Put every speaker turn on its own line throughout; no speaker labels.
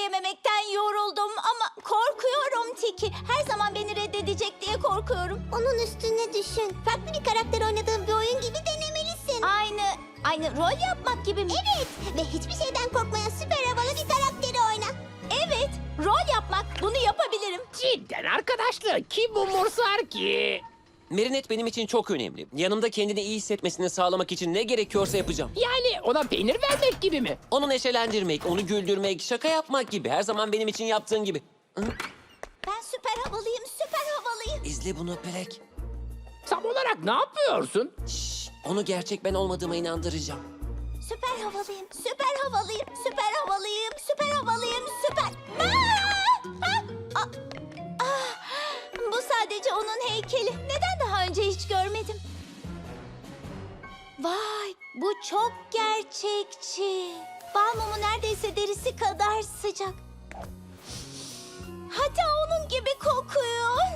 söyleyememekten yoruldum ama korkuyorum Tiki. Her zaman beni reddedecek diye korkuyorum.
Onun üstüne düşün. Farklı bir karakter oynadığın bir oyun gibi denemelisin.
Aynı rol yapmak gibi mi?
Evet ve hiçbir şeyden korkmayan süper havalı bir karakteri oyna.
Evet, rol yapmak. Bunu yapabilirim.
Cidden arkadaşlar kim umursar ki?
Merinet benim için çok önemli. Yanımda kendini iyi hissetmesini sağlamak için ne gerekiyorsa yapacağım.
Yani ona peynir vermek gibi mi?
Onu neşelendirmek, onu güldürmek, şaka yapmak gibi. Her zaman benim için yaptığın gibi.
Ben süper havalıyım, süper havalıyım.
İzle bunu Black.
Tam olarak ne yapıyorsun?
Şşş, onu gerçek ben olmadığıma inandıracağım.
Süper havalıyım, süper havalıyım, süper havalıyım, süper havalıyım, süper... Bu sadece onun heykeli. Neden daha önce hiç görmedim? Vay, bu çok gerçekçi. Bal mumu neredeyse derisi kadar sıcak. Hatta onun gibi kokuyor.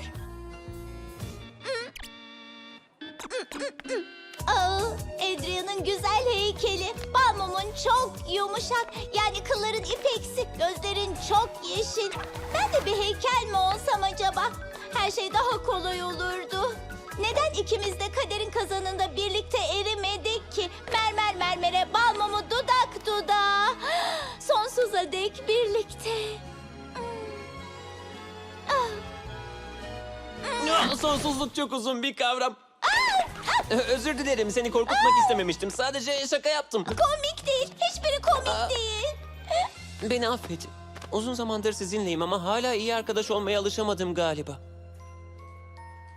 Adrian'ın güzel heykeli. Bal mumun çok yumuşak. Yani kılların ipeksi, gözlerin çok yeşil. Ben de bir heykel mi olsam acaba? Her şey daha kolay olurdu. Neden ikimiz de kaderin kazanında birlikte erimedik ki? Mermer mermere, bal mumu dudak dudağa. Sonsuza dek birlikte.
Sonsuzluk çok uzun bir kavram. Özür dilerim, seni korkutmak istememiştim. Sadece şaka yaptım.
Komik değil. Hiçbiri komik değil.
Beni affet. Uzun zamandır sizinleyim ama hala iyi arkadaş olmaya alışamadım galiba.